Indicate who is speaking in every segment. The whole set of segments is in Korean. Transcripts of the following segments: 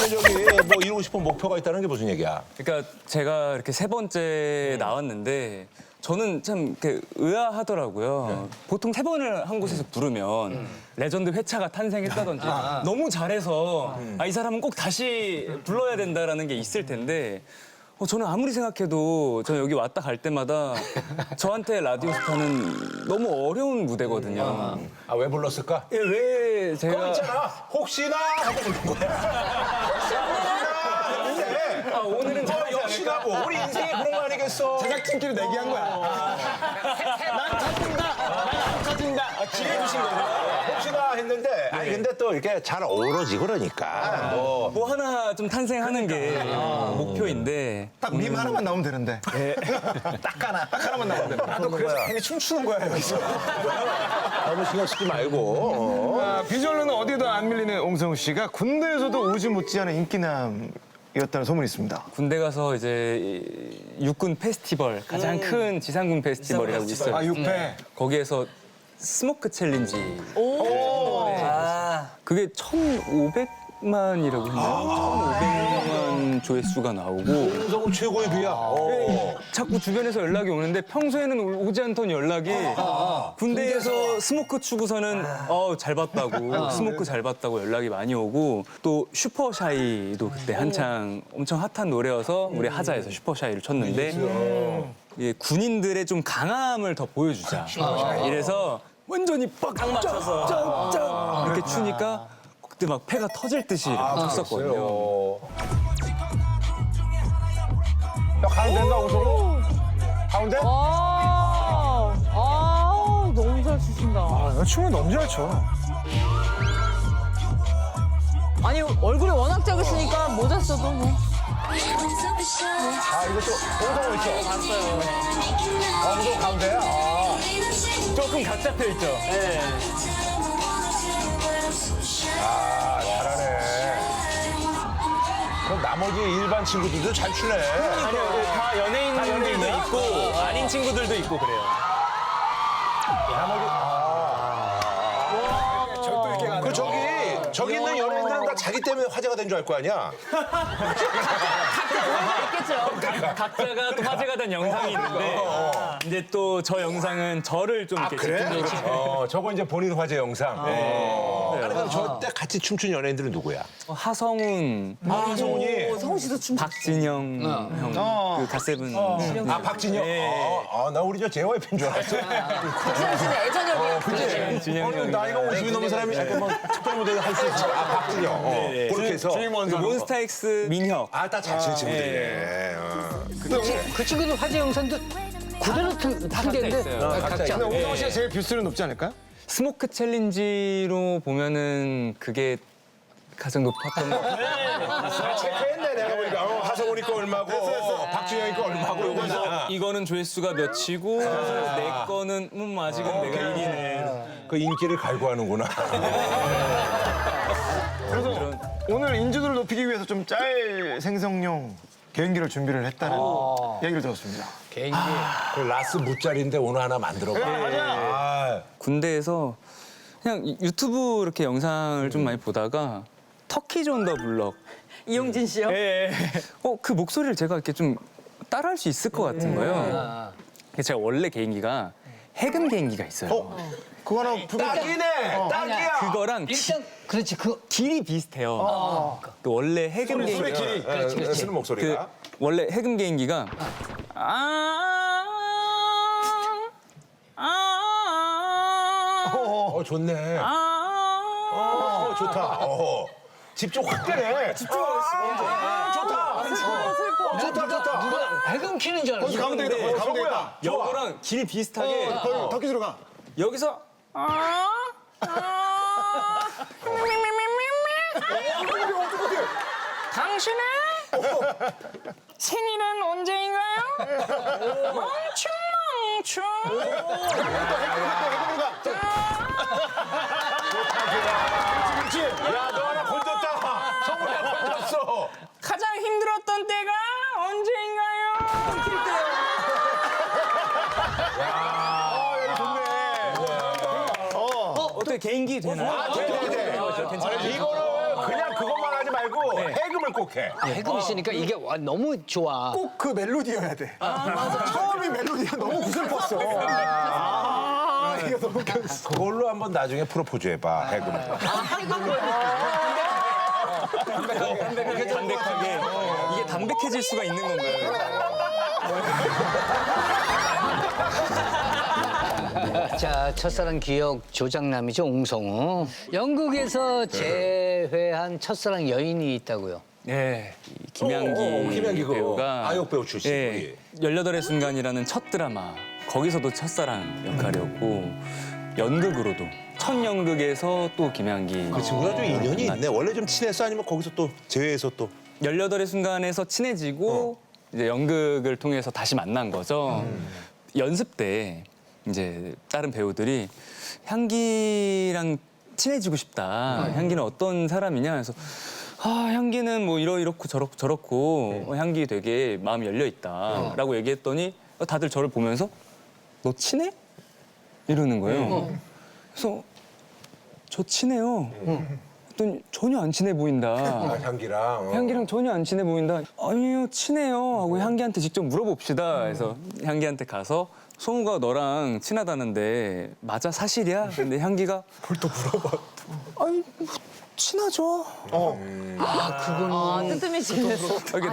Speaker 1: 저기 뭐 이루고 싶은 목표가 있다는 게 무슨 얘기야?
Speaker 2: 그러니까 제가 이렇게 세 번째 나왔는데 저는 참 이렇게 의아하더라고요. 보통 세 번을 한 곳에서 부르면 레전드 회차가 탄생했다든지 너무 잘해서 이 사람은 꼭 다시 불러야 된다라는 게 있을 텐데 저는 아무리 생각해도 저는 여기 왔다 갈 때마다 저한테 라디오 스타는 너무 어려운 무대거든요.
Speaker 1: 아, 왜 불렀을까?
Speaker 2: 예, 왜
Speaker 1: 그거
Speaker 2: 제가
Speaker 1: 있잖아. 혹시나 하고 부른 거야. 혹시나 했는데
Speaker 2: 오늘은
Speaker 1: 역시나 뭐 우리 인생에 그런 거 아니겠어?
Speaker 3: 제작진끼리 내기한 거야. 난 터진다. 난안 터진다. 기회 주신 거죠.
Speaker 1: 혹시나 했는데 아니 근데 또 이렇게 잘 어우러지 그러니까
Speaker 2: 뭐 하나 좀 탄생하는 게 목표인데
Speaker 3: 딱 밈 하나만 나오면 되는데. 딱 하나만 나오면 돼. 나도 그래서 괜히 춤추는 거야 여기서.
Speaker 1: 너무 신경 쓰지 말고.
Speaker 3: 비주얼로는 어디에도 안 밀리는 옹성우 씨가 군대에서도 우지 못지않은 인기남이었다는 소문이 있습니다.
Speaker 2: 군대 가서 이제 육군 페스티벌 가장 큰 지상군 페스티벌이라고 있어요.
Speaker 3: 아 6패.
Speaker 2: 거기에서 스모크 챌린지. 그게 1,500만이라고 했나요? 1,500만 조회수가 나오고
Speaker 1: 홍성우 최고의 비야.
Speaker 2: 자꾸 주변에서 연락이 오는데 평소에는 오지 않던 연락이 군대에서 스모크 추고서는 잘 봤다고 스모크 잘 봤다고 연락이 많이 오고 또 슈퍼샤이도 그때 한창 엄청 핫한 노래여서 우리 하자에서 슈퍼샤이를 쳤는데 예, 군인들의 좀 강함을 더 보여주자 이래서 완전히 빡 이렇게 추니까 그때 막 패가 터질 듯이 이렇게 쳤었거든요.
Speaker 1: 야, 가운데인가 홍성우? 가운데?
Speaker 4: 너무 잘 추신다.
Speaker 3: 나 춤을 너무 잘 춰.
Speaker 4: 아니 얼굴이 워낙 작으시니까 모자 써도 뭐.
Speaker 1: 아, 이것도 홍성우 있죠?
Speaker 4: 봤어요.
Speaker 1: 홍성우 가운데야?
Speaker 2: 조금 각 잡혀 있죠.
Speaker 1: 아, 잘하네. 그럼 나머지 일반 친구들도 잘 추네.
Speaker 2: 아니요, 다 연예인들도 있고 아닌 친구들도 있고 그래요.
Speaker 1: 그 저기 있는 연예인들은 다 자기 때문에 화제가 된 줄 알 거 아니야?
Speaker 4: 있겠죠.
Speaker 2: 각자가 또 화제가 된 영상이 있는데 이제 또 저 영상은 저를 좀 이렇게 집중적으로
Speaker 1: 저거 이제 본인 화제 영상. 아니, 그럼 저때 같이 춤춘 연예인들은 누구야?
Speaker 2: 하성운,
Speaker 1: 하성운이.
Speaker 4: 성우 씨도 춤.
Speaker 2: 박진영 형, 그 갓세븐.
Speaker 1: 아, 박진영? 나 우리 저 JYP인 줄 알았어.
Speaker 4: 성우 씨는 애정역이에요. 그치?
Speaker 2: 진영 형이.
Speaker 1: 나이가 50이 넘은 사람이 약간 뭐 특별 무대를 할 수 있지. 아, 박진영. 그렇게 해서.
Speaker 2: 그 몬스타엑스 민혁.
Speaker 1: 아, 다 잘 치는 친구들이네.
Speaker 5: 그 친구들 화제 영상도 그대로 틀겠는데
Speaker 2: 있어요.
Speaker 5: 각자.
Speaker 3: 근데 옹성우 씨가 제일 뷰수는 높지 않을까?
Speaker 2: 스모크 챌린지로 보면은 그게 가장 높았던 것 같아요.
Speaker 1: 체크했네, 내가 보니까. 하성운이 거 얼마고, 박진영이 거 얼마고.
Speaker 2: 이거는 조회수가 몇이고 내 거는 아직은 내가 1위네.
Speaker 1: 그 인기를 갈구하는구나.
Speaker 3: 그래서 오늘 인지도를 높이기 위해서 좀 짤 생성용 개인기를 준비를 했다는 얘기를 들었습니다.
Speaker 5: 개인기.
Speaker 1: 그 라스 무짜리인데 오늘 하나 만들어봐. 아,
Speaker 2: 군대에서 그냥 유튜브 이렇게 영상을 좀 많이 보다가 터키즈 온 더 블럭.
Speaker 4: 이용진 씨요?
Speaker 2: 예. 그 목소리를 제가 이렇게 좀 따라할 수 있을 것 같은 거예요. 제가 원래 개인기가 해금 개인기가 있어요.
Speaker 3: 그거 하나
Speaker 1: 딱이네! 딱이야!
Speaker 2: 그거랑
Speaker 5: 일단 그렇지 그
Speaker 2: 길이 비슷해요. 그 원래 해금 개인기.
Speaker 1: 길이. 쓰는 목소리가.
Speaker 2: 원래 해금 개인기가
Speaker 1: 좋네. 좋다. 집중 확 되네. 집중. 좋다. 좋다.
Speaker 5: 누가 해금 키는 줄 알았어.
Speaker 3: 가운데 있다. 거기 가운데 있다.
Speaker 2: 여거랑 길이 비슷하게
Speaker 3: 거기 덕기 들어가.
Speaker 2: 여기서
Speaker 6: 당신의 생일은 언제인가요? 멍충.
Speaker 1: 야, 너 하나 건졌다. 성훈이 하나 건졌어.
Speaker 6: 가장 힘들었던 때가 언제인가요?
Speaker 2: 어떻게 개인기 되나요?
Speaker 1: 네. 이거는 그냥 그것만 하지 말고 해금을 춤을 꼭 해.
Speaker 5: 해금 씨니까 이게 너무 좋아.
Speaker 3: 꼭 그 멜로디여야 돼. 처음이 멜로디가 너무 구슬펐어. 이게 너무 웃겼어.
Speaker 1: 그걸로 한번 나중에 프로포즈 해봐, 해금.
Speaker 2: 담백하게 이게 담백해질 수가 있는 건가요?
Speaker 5: 자, 첫사랑 기억 조장남이죠, 옹성우. 영국에서 재회한 첫사랑 여인이 있다고요.
Speaker 2: 네, 이 김양기,
Speaker 1: 김양기 그거.
Speaker 2: 배우가
Speaker 1: 아역 배우 출신.
Speaker 2: 예, 18의 순간이라는 첫 드라마 거기서도 첫사랑 역할이었고 연극으로도 첫 연극에서 또 김양기
Speaker 1: 그 친구가 좀 인연이 있네. 원래 좀 친했어? 아니면 거기서 또 제외해서 또?
Speaker 2: 18의 순간에서 친해지고 이제 연극을 통해서 다시 만난 거죠. 연습 때 이제 다른 배우들이 향기랑 친해지고 싶다. 향기는 어떤 사람이냐 해서 향기는 뭐 이렇고 저렇고 향기 되게 마음이 열려 있다라고 얘기했더니 다들 저를 보면서 너 친해? 이러는 거예요. 그래서 저 친해요. 그랬더니 전혀 안 친해 보인다.
Speaker 1: 향기랑.
Speaker 2: 향기랑 전혀 안 친해 보인다. 아니요, 친해요. 하고 향기한테 직접 물어봅시다. 그래서 향기한테 가서 성우가 너랑 친하다는데 맞아, 사실이야? 근데 향기가 뭘 또 물어봐. 아니, 뭐, 친하죠.
Speaker 4: 뜨뜻해지겠어.
Speaker 2: 이렇게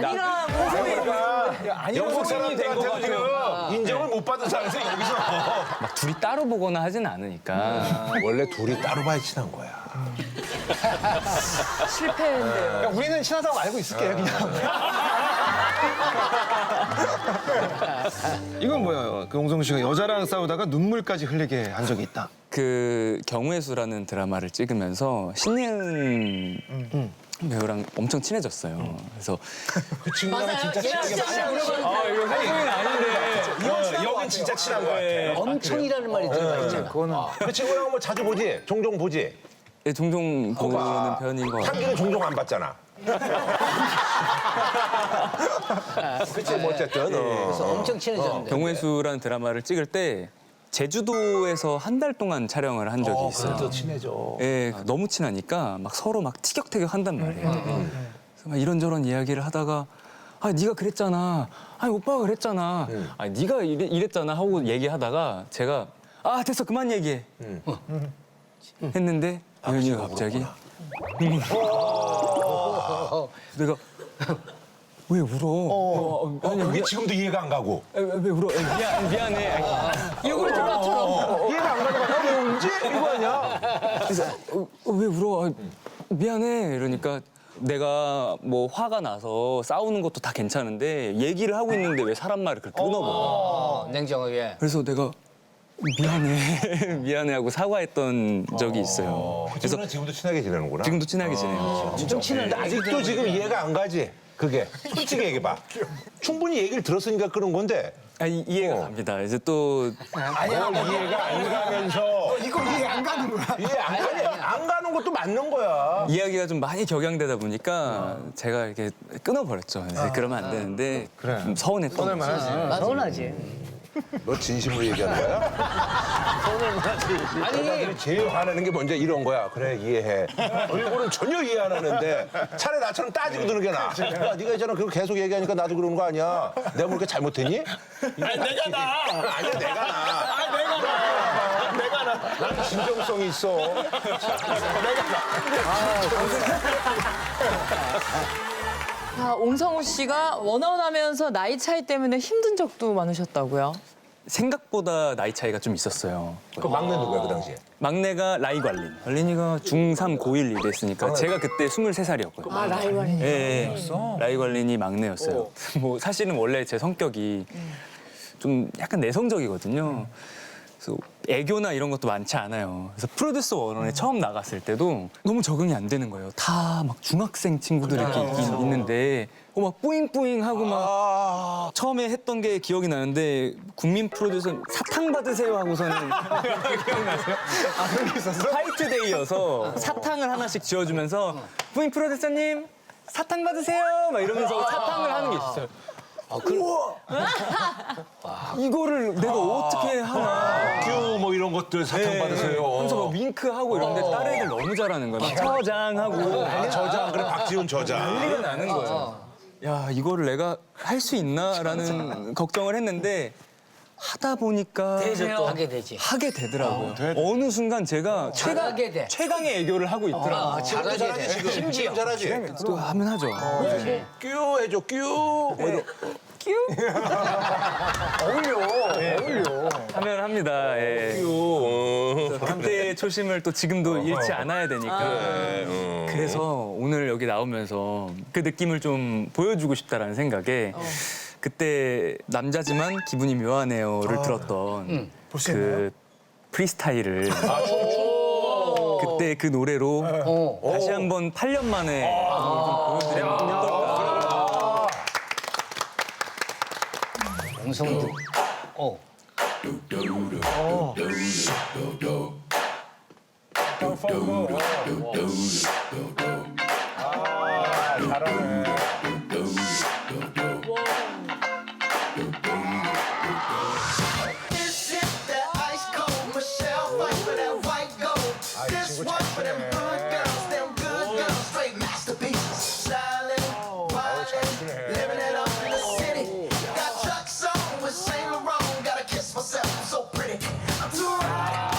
Speaker 1: 영국 사람들한테도 지금 인정을 못 받은 상황에서 여기서.
Speaker 2: 막 둘이 따로 보거나 하진 않으니까.
Speaker 1: 원래 둘이 따로 봐야 친한 거야.
Speaker 4: 실패인데요.
Speaker 3: 야, 우리는 친하다고 알고 있을게, 그냥. 이건 뭐야? 그 옹성우 씨가 여자랑 싸우다가 눈물까지 흘리게 한 적이 있다.
Speaker 2: 그 경우의 수라는 드라마를 찍으면서 신예은 배우랑 엄청 친해졌어요. 그래서
Speaker 1: 그 친구랑 진짜 친하게
Speaker 2: 이거 사실은 아닌데
Speaker 1: 여긴 진짜 친한 거야.
Speaker 5: 엄청이라는 말이 들어가 있잖아.
Speaker 1: 그 친구랑 뭐 자주 보지? 종종 보지?
Speaker 2: 예, 종종 보는 편인 것 같아요.
Speaker 1: 향기는 종종 안 봤잖아. 그치, 뭐 어쨌든.
Speaker 5: 그래서 엄청 친해졌는데.
Speaker 2: 경우의 수라는 드라마를 찍을 때 제주도에서 한 달 동안 촬영을 한 적이 있어요.
Speaker 1: 친해져.
Speaker 2: 예, 너무 친하니까 막 서로 막 티격태격 한단 말이에요. 그래서 막 이런저런 이야기를 하다가 네가 그랬잖아. 오빠가 그랬잖아. 네가 이랬잖아 하고 얘기하다가 제가 됐어, 그만 얘기해. 했는데 여인이가 갑자기 눈물. 내가 왜 울어?
Speaker 1: 그게 지금도 이해가 안 가고.
Speaker 2: 왜 울어? 미안해.
Speaker 4: 이걸 들어처럼.
Speaker 1: 이해가 안 가니까 왜 울지? 이거 아니야?
Speaker 2: 그래서 왜 울어? 미안해. 이러니까 내가 뭐 화가 나서 싸우는 것도 다 괜찮은데 얘기를 하고 있는데 왜 사람 말을 그렇게 끊어버려?
Speaker 5: 냉정하게.
Speaker 2: 그래서 내가 미안해. 미안해 하고 사과했던 적이 있어요.
Speaker 1: 그래서 지금도 친하게 지내는구나.
Speaker 2: 지금도 친하게 지내요.
Speaker 5: 엄청 친한데
Speaker 1: 아직도 지금 이해가 안 가지? 그게. 솔직히 얘기해봐. 충분히 얘기를 들었으니까 그런 건데.
Speaker 2: 이해가 갑니다. 이제 또
Speaker 1: 이해가 안 가면서.
Speaker 3: 이거 이해 안 가는 거야.
Speaker 1: 이해 안 가는 것도 맞는 거야.
Speaker 2: 이야기가 좀 많이 격양되다 보니까 제가 이렇게 끊어버렸죠. 이제 그러면 안 되는데
Speaker 3: 그래.
Speaker 2: 좀 서운했던 거죠.
Speaker 5: 서운하지.
Speaker 1: 너 진심으로 얘기하는 거야? 아니 제일 화내는 게 먼저 이런 거야. 그래 이해해. 얼굴은 전혀 이해 안 하는데 차라리 나처럼 따지고 드는 게 나아. 야, 네가 있잖아 그거 계속 얘기하니까 나도 그러는 거 아니야. 내가 뭐 이렇게 잘못했니? 아니 내가 나. 아니야 내가 나. 내가 나. 난 진정성이 있어.
Speaker 4: 옹성우 씨가 원아웃하면서 나이 차이 때문에 힘든 적도 많으셨다고요?
Speaker 2: 생각보다 나이 차이가 좀 있었어요.
Speaker 1: 그 막내 누구야 그 당시에?
Speaker 2: 막내가 라이 관린. 관린이가 중3, 고1 이랬으니까 제가 그때 23살이었거든요.
Speaker 4: 나이 관리.
Speaker 2: 예, 라이 관린이 막내였어요. 뭐 사실은 원래 제 성격이 좀 약간 내성적이거든요. 그래서 애교나 이런 것도 많지 않아요. 그래서 프로듀서 원원에 처음 나갔을 때도 너무 적응이 안 되는 거예요. 다 막 중학생 친구들이 이렇게 있는데 막 뿌잉뿌잉하고 막 처음에 했던 게 기억이 나는데 국민 프로듀서 사탕 받으세요 하고서는 기억나세요? 그런 게 있었어? 화이트데이여서 사탕을 하나씩 지어주면서 국민 프로듀서님 사탕 받으세요 막 이러면서 사탕을 하는 게 있었어요. 이거를 내가 어떻게 하나.
Speaker 1: 큐 뭐 이런 것들 사탕 받으세요.
Speaker 2: 하면서 막 윙크하고 이러는데 다른 애들 너무 잘하는 거야. 막 저장하고
Speaker 1: 아, 저장 그래 박지훈 저장.
Speaker 2: 난리가 나는 거예요. 야, 이거를 내가 할 수 있나라는 걱정을 했는데 하다 보니까
Speaker 5: 하게 되지.
Speaker 2: 하게 되더라고요. 어느 순간 제가
Speaker 5: 잘하게 돼.
Speaker 2: 최강의 애교를 하고 있더라고요.
Speaker 5: 잘하게 돼.
Speaker 1: 지금
Speaker 5: 심지어.
Speaker 1: 잘하지.
Speaker 2: 또 하면 하죠.
Speaker 1: 큐 해줘 큐. 뭐 이런.
Speaker 2: 하면 합니다. 예.
Speaker 1: 큐.
Speaker 2: 그때의 초심을 또 지금도 잃지 않아야 되니까. 그래서 오늘 여기 나오면서 그 느낌을 좀 보여주고 싶다라는 생각에 그때 남자지만 기분이 묘하네요를 들었던 그 프리스타일을 그때 그 노래로 다시 한번 8년 만에 좀 보여드리면 어떨까.
Speaker 5: 옹성도.
Speaker 7: This is that ice cold Michelle fight for that white gold. This one for them good girls, straight masterpieces. Stylin', wildin', living it up in the city. Got trucks on with Saint Laurent, gotta kiss myself, I'm so pretty. I'm too right.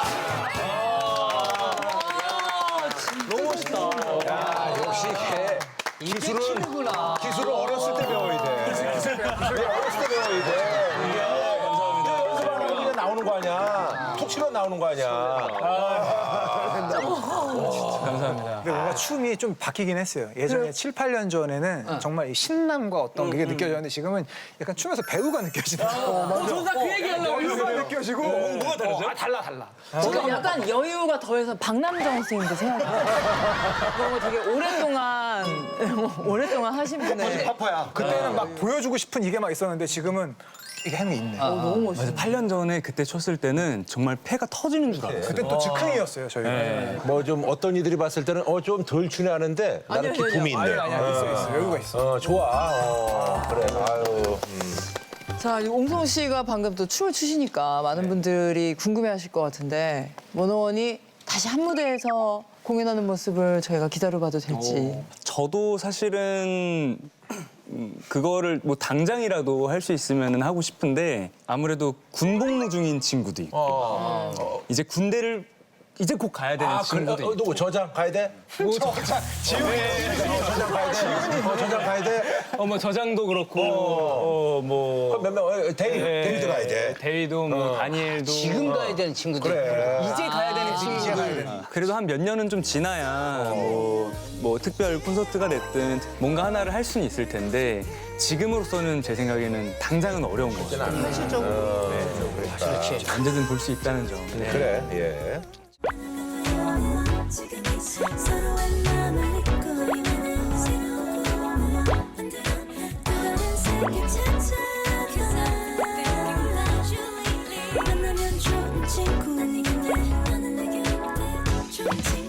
Speaker 1: 역시 기술은 어렸을 때 배워야 돼. 어렸을 때 배워야 돼. 감사합니다. 연습하는 게 나오는 거 아니야. 톡 치면 나오는 거 아니야.
Speaker 2: 감사합니다.
Speaker 8: 근데 뭔가 춤이 좀 바뀌긴 했어요. 예전에 7, 8년 전에는 정말 이 신남과 어떤 게 느껴졌는데 지금은 약간 춤에서 배우가 느껴지는
Speaker 4: 저도 그 얘기하려고
Speaker 8: 배우가 느껴지고 뭐가 다르죠? 달라.
Speaker 4: 지금 약간 여유가 더해서 박남정 선생님도 생각나요. 뭔가 되게 오랫동안 하신 분의
Speaker 8: 파파야. 그때는 막 보여주고 싶은 이게 막 있었는데 지금은 이게 행이 있네.
Speaker 4: 너무 멋있어요.
Speaker 2: 맞아, 8년 전에 그때 췄을 때는 정말 폐가 터지는 줄 알았어요.
Speaker 8: 그때 또 즉흥이었어요, 저희가.
Speaker 1: 뭐 좀 어떤 이들이 봤을 때는 좀 덜 추네하는데 나는
Speaker 4: 아니요,
Speaker 1: 기품이 있네.
Speaker 8: 있어. 여유가 있어.
Speaker 1: 좋아. 그래. 아유.
Speaker 4: 자, 옹성 씨가 방금 또 춤을 추시니까 많은 분들이 궁금해하실 것 같은데 원어원이 다시 한 무대에서 공연하는 모습을 저희가 기다려봐도 될지.
Speaker 2: 저도 사실은 그거를 뭐 당장이라도 할 수 있으면 하고 싶은데 아무래도 군복무 중인 친구도 있고 이제 군대를 이제 곧 가야 되는 친구도 있고
Speaker 1: 누구 저장 가야 돼? 지훈이 저장 가야 돼. 저장 가야 돼.
Speaker 2: 뭐 저장도 그렇고 뭐
Speaker 1: 데이비드 가야 돼.
Speaker 2: 대위도 뭐 다니엘도
Speaker 5: 지금 가야 되는 친구들.
Speaker 2: 이제 가야 되는 친구들. 그래도 한 몇 년은 좀 지나야 뭐 특별 콘서트가 됐든 뭔가 하나를 할 수는 있을 텐데 지금으로서는 제 생각에는 당장은 어려운 거죠.
Speaker 1: 현실적으로.
Speaker 5: 그렇지.
Speaker 2: 언제든 볼 수 있다는 점. 네.
Speaker 1: 그래. 예.
Speaker 9: 지금 이 서로의 마음을 잊고 있는 새로운 꿈을 만들어 또 다른 세계 찾아가 만나면 좋은 친구인데 너는 내게 어때 좋은 친구